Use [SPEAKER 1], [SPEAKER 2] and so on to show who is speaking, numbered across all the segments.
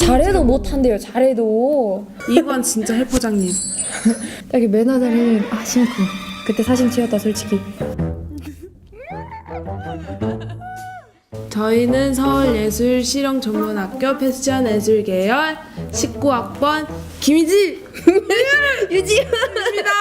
[SPEAKER 1] 잘해도 못한대요. 잘해도.
[SPEAKER 2] 이관 진짜 헬포장님.
[SPEAKER 1] 여기 매너자님 신고. 그때 사진 찍었다 솔직히.
[SPEAKER 2] 저희는 서울예술실용전문학교 패션예술계열 19학번 김희지
[SPEAKER 1] 유지입니다.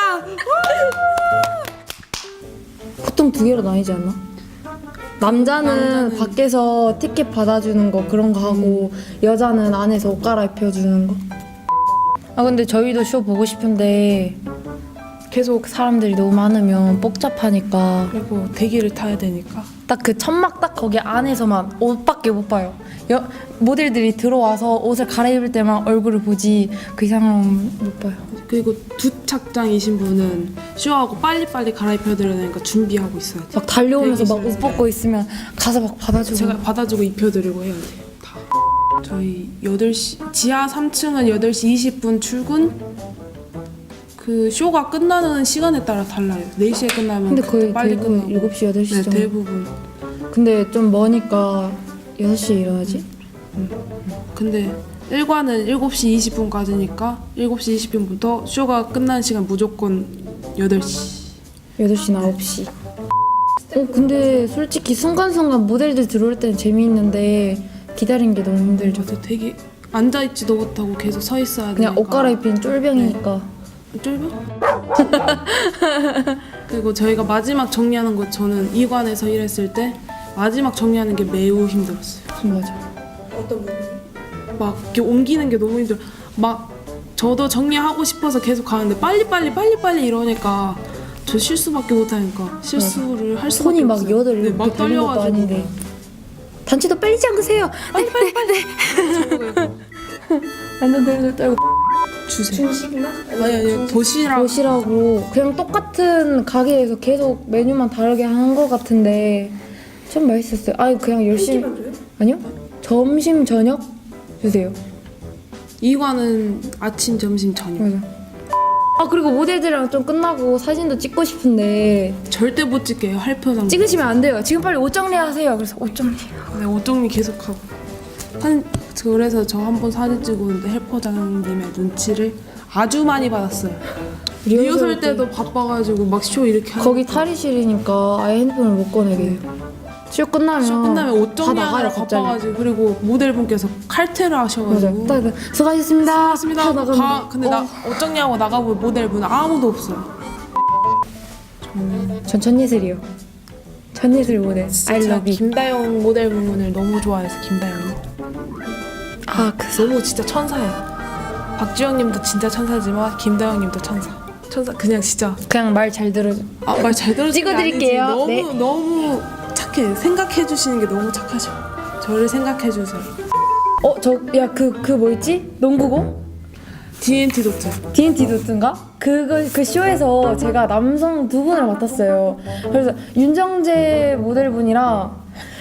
[SPEAKER 1] 보통 2개로 나뉘지 않나? 남자는 밖에서 티켓 받아주는 거 그런 거 하고 여자는 안에서 옷 갈아입혀주는 거. 근데 저희도 쇼 보고 싶은데 계속 사람들이 너무 많으면 복잡하니까
[SPEAKER 2] 그리고 대기를 타야 되니까.
[SPEAKER 1] 딱 그 천막 딱 거기 안에서만 옷밖에 못 봐요. 모델들이 들어와서 옷을 갈아입을 때만 얼굴을 보지 그 이상은 못 봐요.
[SPEAKER 2] 그리고 두 착장이신 분은 쇼하고 빨리빨리 갈아입혀드려야 되니까 준비하고 있어야 돼요.
[SPEAKER 1] 막 달려오면서 막 옷
[SPEAKER 2] 대기실에.
[SPEAKER 1] 벗고 있으면 가서 막 받아주고.
[SPEAKER 2] 제가 받아주고 입혀드리고 해야 돼요. 다. 저희 8시 지하 3층은 8시 20분 출근. 그 쇼가 끝나는 시간에 따라 달라요. 4시에 끝나면
[SPEAKER 1] 근데 거의
[SPEAKER 2] 빨리
[SPEAKER 1] 대부분
[SPEAKER 2] 끝나고.
[SPEAKER 1] 7시, 8시
[SPEAKER 2] 네,
[SPEAKER 1] 정도.
[SPEAKER 2] 대부분.
[SPEAKER 1] 근데 좀 머니까 6시에 일어나지?
[SPEAKER 2] 근데 1관은 7시 20분까지니까 7시 20분부터 쇼가 끝나는 시간 무조건 8시.
[SPEAKER 1] 8시나 9시. 근데 솔직히 순간순간 모델들 들어올 때는 재미있는데 기다리는 게 너무 힘들죠.
[SPEAKER 2] 저도 되게 앉아있지도 못하고 계속 서 있어야 되니까.
[SPEAKER 1] 그냥 옷 갈아입힌 쫄병이니까.
[SPEAKER 2] 쫄병? 그리고 저희가 마지막 정리하는 거 저는 2관에서 일했을 때 마지막 정리하는 게 매우 힘들었어요.
[SPEAKER 1] 맞아.
[SPEAKER 2] 어떤 부분? 막 이렇게 옮기는 게 너무 힘들어. 막 저도 정리하고 싶어서 계속 가는데 빨리 이러니까 저 실수밖에 못하니까 실수를 할 수밖에
[SPEAKER 1] 손이 막
[SPEAKER 2] 없어요.
[SPEAKER 1] 여덟
[SPEAKER 2] 네,
[SPEAKER 1] 이렇게
[SPEAKER 2] 막
[SPEAKER 1] 되는 것도
[SPEAKER 2] 떨려가지고
[SPEAKER 1] 아닌데. 단추도 빨리 잠그세요. 빨리. 완전 덜덜 떨고.
[SPEAKER 2] 주세요. 아니 도시락
[SPEAKER 1] 도시락으로 그냥 똑같은 가게에서 계속 메뉴만 다르게 하는 것 같은데 좀 맛있었어요. 그냥 열심히. 아니요. 점심 저녁 주세요.
[SPEAKER 2] 2관은 아침 점심 저녁.
[SPEAKER 1] 맞아. 그리고 모델들이랑 좀 끝나고 사진도 찍고 싶은데
[SPEAKER 2] 절대 못 찍게요. 할표장.
[SPEAKER 1] 찍으시면 안 돼요. 지금 빨리 옷 정리하세요. 그래서 옷 정리.
[SPEAKER 2] 네, 옷 정리 계속하고. 그래서 저 한 번 사진 찍었는데 헬퍼장님의 눈치를 아주 많이 받았어요. 리허설 때도 바빠가지고 막 쇼 이렇게 하니까.
[SPEAKER 1] 거기 탈의실이니까 아예 핸드폰을 못 꺼내게 해요. 쇼 끝나면
[SPEAKER 2] 옷
[SPEAKER 1] 다
[SPEAKER 2] 정리하느라
[SPEAKER 1] 나가요 갑자기.
[SPEAKER 2] 바빠가지고. 그리고 모델분께서 칼퇴를 하셔가지고.
[SPEAKER 1] 맞아. 딱 수고하셨습니다.
[SPEAKER 2] 맞습니다.
[SPEAKER 1] 다 나가면
[SPEAKER 2] 근데 옷 정리하고 나가보면 모델분 아무도 없어요.
[SPEAKER 1] 전 전예슬이요. 전예슬 모델. I
[SPEAKER 2] 제가
[SPEAKER 1] love you.
[SPEAKER 2] 김다영 모델분을 너무 좋아해서 김다영님. 너무 진짜 천사예요. 박주영님도 진짜 천사지만 김다영님도 천사. 그냥 진짜.
[SPEAKER 1] 그냥 말 잘 들어.
[SPEAKER 2] 말 잘 들어주는
[SPEAKER 1] 찍어드릴게요.
[SPEAKER 2] 너무
[SPEAKER 1] 네.
[SPEAKER 2] 너무 착해. 생각해 주시는 게 너무 착하셔. 저를 생각해 주세요.
[SPEAKER 1] 그 뭐였지? 농구공?
[SPEAKER 2] D&T 도트.
[SPEAKER 1] D&T 도트인가? 그 쇼에서 제가 남성 2분을 맡았어요. 그래서 윤정재 모델분이랑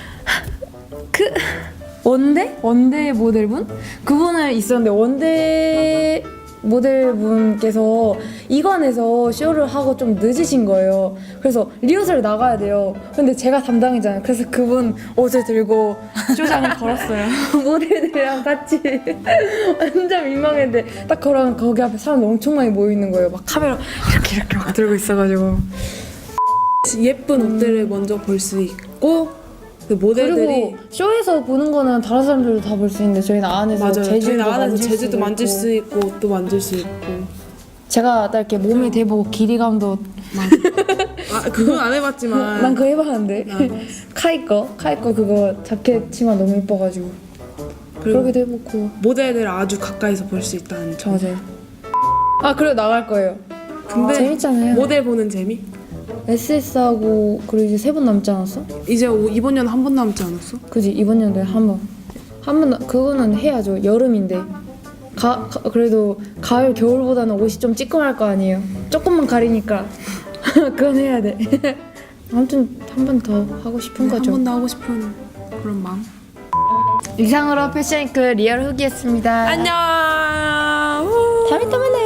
[SPEAKER 1] 원대 모델분? 그분을 있었는데 원대 모델분께서 이관에서 쇼를 하고 좀 늦으신 거예요. 그래서 리허설 나가야 돼요. 근데 제가 담당이잖아요. 그래서 그분 옷을 들고 쇼장을 걸었어요. 모델들이랑 같이 완전 민망했는데 딱 걸어가면 거기 앞에 사람들 엄청 많이 모여 있는 거예요. 막 카메라 이렇게 막 들고 있어가지고.
[SPEAKER 2] 예쁜 옷들을 먼저 볼 수 있고 그 모델들이.
[SPEAKER 1] 그리고 쇼에서 보는 거는 다른 사람들도 다 볼 수 있는데 저희는 안에서
[SPEAKER 2] 맞아요.
[SPEAKER 1] 제주도
[SPEAKER 2] 저희는 안에서
[SPEAKER 1] 만질
[SPEAKER 2] 제주도
[SPEAKER 1] 수도
[SPEAKER 2] 만질
[SPEAKER 1] 있고.
[SPEAKER 2] 수 있고 옷도 만질 수 있고.
[SPEAKER 1] 제가 딱 이렇게 몸에 대보고 길이감도
[SPEAKER 2] 그건 안 해봤지만.
[SPEAKER 1] 난 그거 해봤는데 카이 거 그거 자켓 치마 너무 예뻐가지고
[SPEAKER 2] 그리고
[SPEAKER 1] 그러기도 해보고.
[SPEAKER 2] 모델을 아주 가까이서 볼 수 있다는 점.
[SPEAKER 1] 맞아요. 그리고 나갈 거예요.
[SPEAKER 2] 근데
[SPEAKER 1] 재밌잖아요.
[SPEAKER 2] 모델 보는 재미?
[SPEAKER 1] SS하고 그리고 이제 3번 남지 않았어?
[SPEAKER 2] 이제 이번 년 한 번 남지 않았어?
[SPEAKER 1] 그지 이번 연도에 한 번 그거는 해야죠. 여름인데 그래도 가을 겨울보다는 옷이 좀 찌끔할 거 아니에요. 조금만 가리니까 그건 해야 돼. 아무튼 한 번 더 하고 싶은
[SPEAKER 2] 한
[SPEAKER 1] 거죠.
[SPEAKER 2] 번 더 하고 싶은 그런 마음.
[SPEAKER 1] 이상으로 패션위크 리얼 후기였습니다.
[SPEAKER 2] 안녕.
[SPEAKER 1] 다음에 또 만나요.